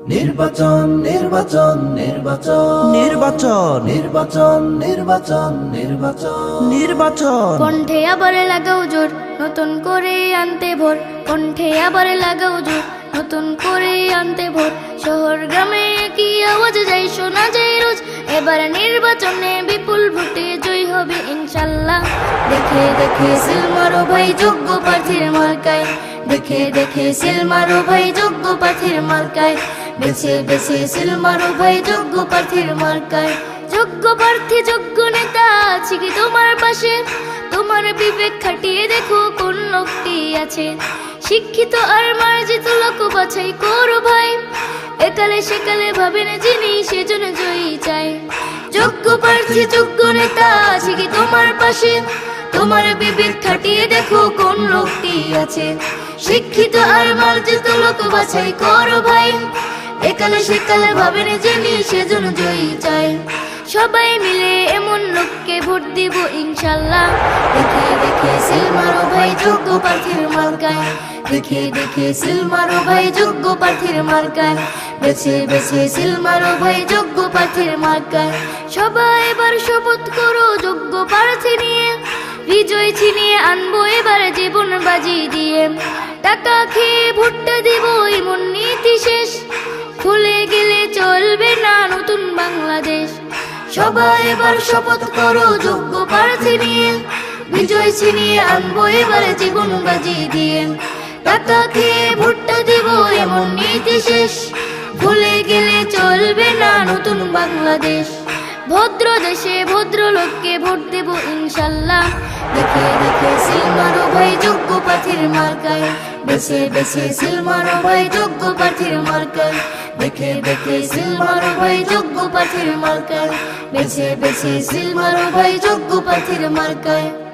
নির্বাচন নির্বাচন নির্বাচন নির্বাচন নির্বাচন নির্বাচন নির্বাচন নির্বাচন কণ্ঠে আবার লাগাও জোর নতুন করে আনতে ভোর, কণ্ঠে আবার লাগাও জোর নতুন করে আনতে ভোর। শহর গ্রামে কি আওয়াজ যাই শোনা যায় রোজ, এবার নির্বাচনে বিপুল ভোটে জয় হবে ইনশাল্লাহ। দেখে দেখে সিল মারো ভাই যোগ্য প্রার্থীর মার্কায়, দেখে দেখে সিল মারো ভাই যোগ্য প্রার্থীর মার্কায়, বেছে বেছে সিল মারো ভাই যোগ্য প্রার্থীর মার্কায়। যোগ্য প্রার্থী যোগ্য নেতা আছে কি তোমার পাশে, তোমার বিবেক খাটিয়ে দেখো কোন লোকটি আছে। শিক্ষিত আর মার্জিত লোক বাছাই করো ভাই, একালে সেকালে ভাবেন যিনি সেজন্য জয়ী চাই। যোগ্য প্রার্থী যোগ্য নেতা আছে কি তোমার পাশে, তোমার বিবেক খাটিয়ে দেখো কোন লোকটি আছে। শিক্ষিত আর মার্জিত লোক বাছাই করো ভাই, একালে সেকালে ভাবেন যিনি সেজন্য জয়ী চাই। সবাই মিলে এমন লোককে ভোট দিব ইনশাল্লাহ। দেখে দেখে সিল মারো ভাই যোগ্য প্রার্থীর মার্কায়, দেখে দেখে সিল মারো ভাই যোগ্য প্রার্থীর মার্কায়, বেছে বেছে সিল মারো ভাই যোগ্য প্রার্থীর মার্কায়। সবাই এবার শপথ করো যোগ্য প্রার্থী নিয়ে, বিজয় ছিনিয়ে আনবো এবার জীবন বাজি দিয়ে। টাকা খেয়ে ভোটটা দিব এমন নীতি শেষ, ভুলে গেলে চলবে না নতুন বাংলাদেশ। সবাই এবার শপথ করো যোগ্য প্রার্থী নিয়ে, বিজয় ছিনিয়ে আনবো এবার জীবন বাজি দিয়ে। টাকা খেয়ে ভোটটা দিব এমন নীতি শেষ, ভুলে গেলে চলবে না নতুন বাংলাদেশ। ভদ্র দেশে ভদ্র লোককে ভোট দেব ইনশাল্লাহ। দেখে দেখে সিল মারো ভাই যোগ্য প্রার্থীর মার্কায়, বেছে বেছে সিল মারো ভাই যোগ্য প্রার্থীর মার্কায়, দেখে দেখে সিল মারো ভাই যোগ্য প্রার্থীর মার্কায়, বেছে বেছে সিল মারো ভাই যোগ্য প্রার্থীর মার্কায়।